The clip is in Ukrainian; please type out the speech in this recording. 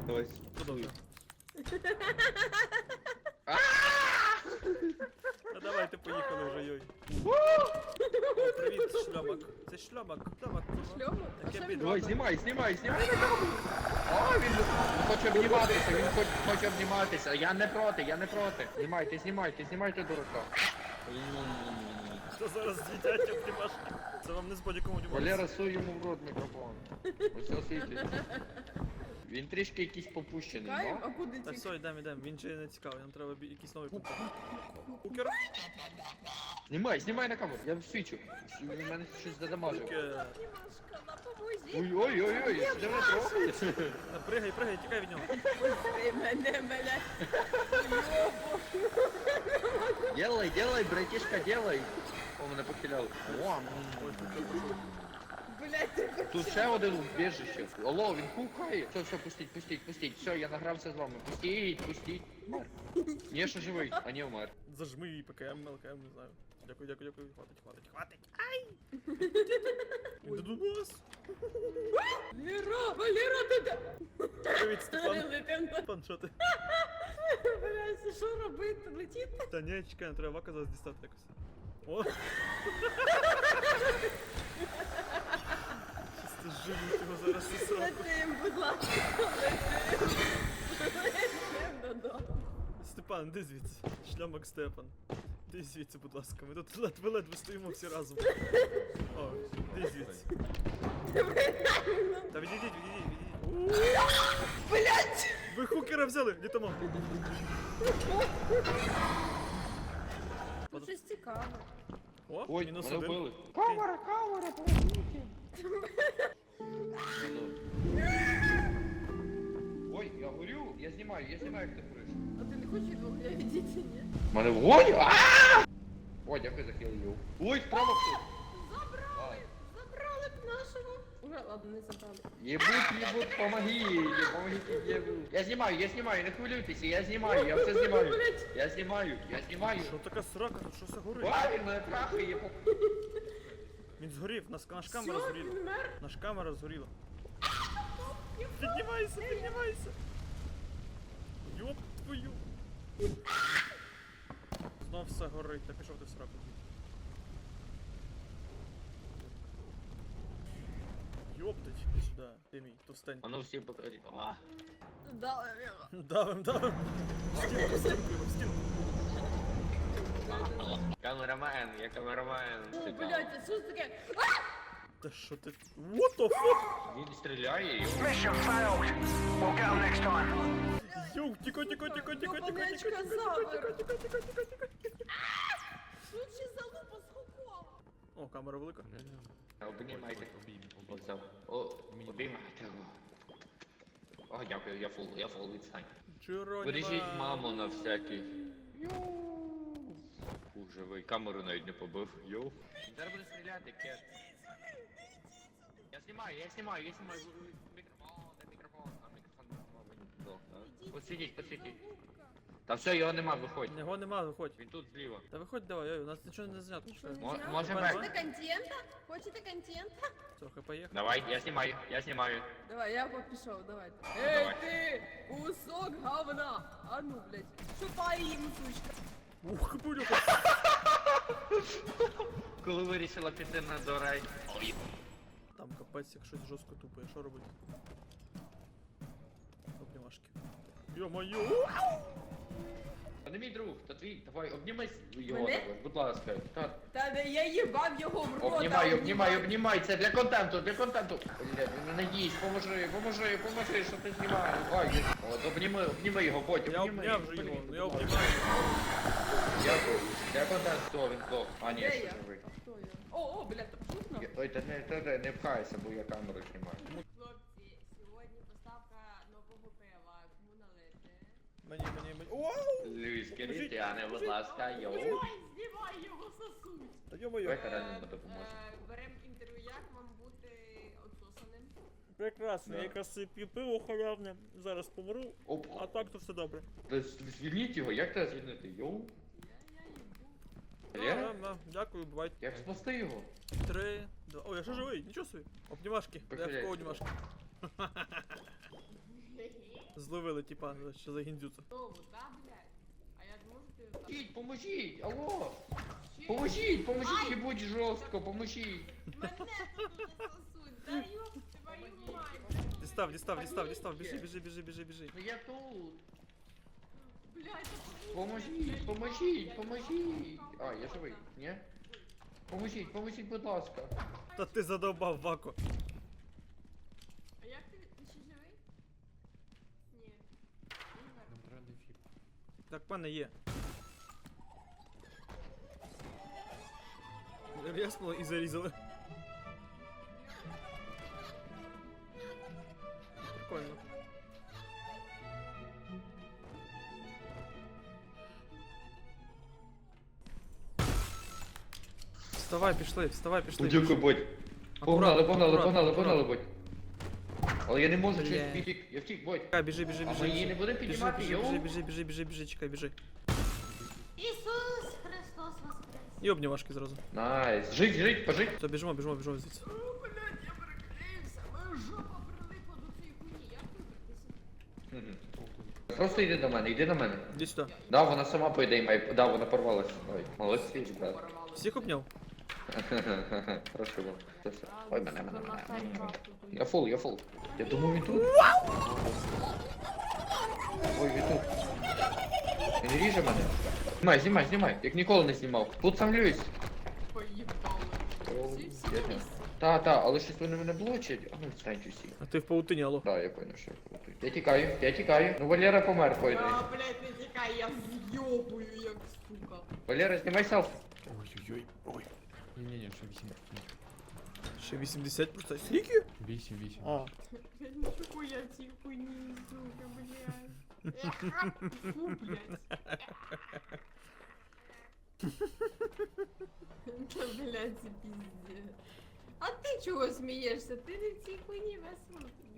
Давай. Подобно. Ну давайте поїхали вже, йой. О, привіт, шльомак. Це шльомак. Шльомак. Шльому? А Таке що бідо. він Давай, робить? знімай на камеру. О, він хоче обніматися, хоче обніматися. Я не проти. Знімайте дурака. Що зараз з'їдять обнімашки? Це вам не з бодіком обніматися. Валера, суй йому в рот мікрофон. Ось все світить. Він трішки якийсь попущений, Чекаємо, а ну? куди Та ті? все, йдемо. Він же не цікавий, нам треба якийсь новий контент. Кукер? Знімай на камеру, я свічу. Він мене щось задамажив. Кукер. Дімашка, допоможіть. Ой, що ви робите? Пригай, тікай від нього. Ти мене, блядь. Делай, братишка, делай. О, мене похиляли. О, Ой, кукер пішов. Блядь, ти тут ще один убіжище. Алло, він хукає. Все, пустіть. Все, я награвся з вами. Пустіть. Умер. Ні, ще живий, а не умер. Зажми її ПКМ, ЛКМ, не знаю. Дякую. Хватить. Він до нас. Валера, ти де? Привіт, Степан. Летим. Степан, що ти? Блядь, що робити? Летіти? Та ні, чекай, не треба вака зараз дістати якось. О! Щось ти живуть його зараз і сраку. Летим, будь ласка, летим додому. Степан, іди звідси. Шлямок Степан. Іди звідси, будь ласка. Ми тут ледве стоїмо всі разом. О, іди звідси. Та відійдіть. Блядь! Ви хукера взяли, літамо. Тут щось цікаве. О, Ой, мінус мене один. вбили. Камера, помогите. Ой, я горю, я знімаю, як ти гориш. А ти не хочеш від вогня відійти, ні? Мене вогонь! Ааа! Ой, дякую за хіл. Ой, справа хтось. Забрали б нашого. Уже, ладно, не забрали. Ебут, помогите, ебут. Я знімаю, не хвилюйтеся, я знімаю, я все знімаю. Я знімаю. Що така срака, тут що все горить? Ой, він мене трахає. Він згорів, наш камера Все, згоріла. він мер. Наш камера згоріла. Піднімайся. Йоп твою. Знов все горить, та пішов ти в сраку. Йоптать, іди сюди, ти мій, товстень. А ну всі покажіть. Дали його. Давим. В стінку. Камерамен, я камерамен. О, блядь, це що ж таке? Та що ти? What the fuck? Він стріляє і... Mission failed. We'll get 'em next time. Йоу, тіко. Ёбанечка забер. Лучше залупа з хуком. О, камера велика. Обнімайте. Оце. Обіймайте його. О, дякую, я фул відстань. Джероніма. Бережіть маму на всякий. Ух, живий, камеру навіть не побив. Йоу. Зараз буде стріляти, кет. Я знімаю. Мікрофон. Посидіть. Та все, його нема, виходь. Його нема, виходь. Він тут зліва. Та виходь давай, ой, у нас нічого не знято. Що? Може Давай. бек. Хочете контента? Трохи поїхав. Давай, я знімаю. Давай, я пішов, давайте. Давай. Ти, кусок говна! А ну, блядь, шупай їм, сучка. Ух, бульоха. Коли вирішила піти на дорай. Там капець, як щось жорстко тупає, що робити? Обнімашки. Йо-моє! Та не мій друг, та твій, давай, обнімай його, Мене? також, будь ласка. Та де я їбав його в рота. Обнімай, це для контенту. Бля, він мене їсть, поможи, що ти знімаєш. Ой, от, обніми його, потім, Я обняв же його, ну я обнімаю. Дякую, для контенту, він здох. А, ні, Де ще я? живий. Хто я? О, блядь, там шутно? Ой, та не пхайся, бо я камеру знімаю. Хлопці, сьогодні поставка нового пива. Кому налити? Мені. Вау! Льюіс Крістіане, будь ласка, йоу. Ой, знімай його сосуть. Та йо-моє. Давай реально допоможе. Берем інтерв'ю, як вам бути отсосаним? Прекрасно, я якраз п'ю пиво халявне, зараз помру, Оп. а так то все добре. Звільніть його, як тебе звільнити? Йоу? Валера? Дякую, бувайте. Як спасти його? 3, 2. О, я ще живий, нічого собі. Обнімашки, Похиляйся. дай в кого обнімашки. Зловили, типа, що за гіндзюца. Знову, да, блядь? А я можу ти так? Поможіть, поможіть, алло! Поможіть, поможіть, не будь жорстко, поможіть. Мене тут уже сосуть, да ёб твою мать. Дістав, біжи. Ну я тут. Блядь, це Поможіть, поможіть. А, я живий, ні? Поможіть, будь ласка. Та ти задовбав, Вако. А як ти ще живий? Ні. Так, в мене є. Ряснуло і зарізали. Прикольно. Вставай, пішли. Дякую, будь. Аккуратно, Погнали, будь. Але я не можу Бля. через втік, я втік, будь. Чекай, біжи. А ми її не будемо піднімати, йоу? Біжи, чекай, біжи. Ісус Христос воскрес! Йобні важкі зразу. Найс. Жить, пожить. Все, біжимо звідси. О, блядь, я переклеївся. Моя жопа прилипла до цієї хуйні. Як вибратися? Просто йди до мене. Іди сюди. Да, вона сама по ідеї має. Да, вона порвалася. Ой, молодці, ребят. Всіх обняв? Хорошо вам. Все. Ой, мене. Я фул. Я думаю, він тут. Ой, він тут. Він ріже мене. Знімай. Як ніколи не знімав. Тут сам Льюіс. Поїбали. Всі на місці. Та, але щось вони мене блочать. А ну встаньте всі. А ти в паутині, алло. Да, я понял, що я тікаю. Ну Валера помер по ідеї. А, блядь, не тікай, я з'йобую, як сука. Валера, знімай селфі. Ой. Ні, ще 8. Ще 80 просто. Скільки? 8. А. Блядь, нічого я цій хуйні, сука, блядь. Фу, блядь. Та, блядь, це пиздец. А ти чого смієшся? Ти не в цій хуйні весело.